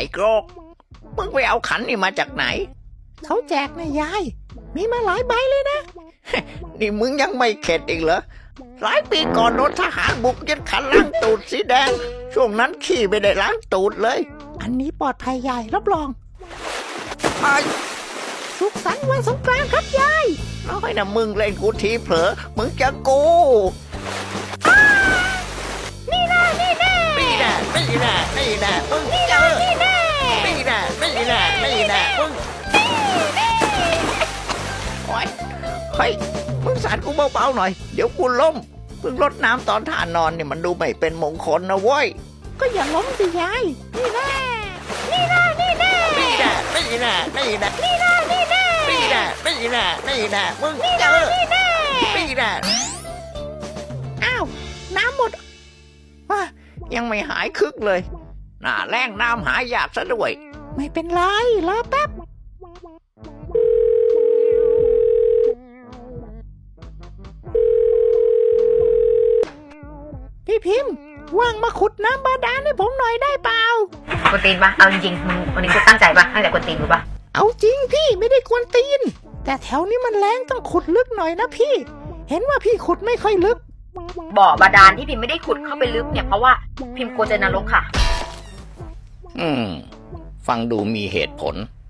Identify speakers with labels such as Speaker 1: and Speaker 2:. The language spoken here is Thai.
Speaker 1: อ้โกรกมึงไปเอาขันนี่มาจากไหนเขาแจกนะยายมีมาหลายใบเลยนะ นี่มึงยังไม่เข็ดอีกเหรอหลายปีก่อนโดนทหารบุกยึดขันล้างตูดสีแดงช่วงนั้นขี้ไม่ได้ล้างตูดเลยอันนี้ปลอดภัยยายรับรองไอ้สุขสันต์วันสงกรานต์ครับยายน้อยนะมึงเล่นกูทีเผลอมึงจะกูนี่แน่นี่แน่นี่แน่นี่แน่นี่แน่มึงเจอนี่แน่นี่แน่นี่แน่นี่แน่มึงโอ้ยเฮ้ยมึงสาดกูเบาๆหน่อยเดี๋ยวกูล้มมึงรดน้ำตอนท่านอนนี่มันดูไม่เป็นมงคลนะเว้ยก็อย่าล้มสิยายนี่แน่นี่แน่นี่แน่นี่แน่นี่แน่นี่แน่นี่แน่นี่แน่นี่แน่นี่แน่นี่แน่มึงเจอนี่แน่นี่แน่อ้าวน้ำหมดว้ายังไม่หายคึกเลยหน้าแล้งน้ำหายากซะด้วยไม่เป็นไรรอแป๊บพี่พิมพ์ว่างมาขุดน้ำบาดาลให้ผมหน่อยได้เปล่าก
Speaker 2: วนตีนปะเอาจริงๆมึงวันนี้กูตั้งใจปะตั้งใจกวนตีนกูปะ
Speaker 1: เอาจริงพี่ไม่ได้กวนตีนแต่แถวนี้มันแรงต้องขุดลึกหน่อยนะพี่เห็นว่าพี่ขุดไม่ค่อยลึก
Speaker 2: บ่อบาดาลที่พิมไม่ได้ขุดเข้าไปลึกเนี่ยเพราะว่าพิมกลัวเจอนรกค่ะ
Speaker 1: ฟังดูมีเหตุผล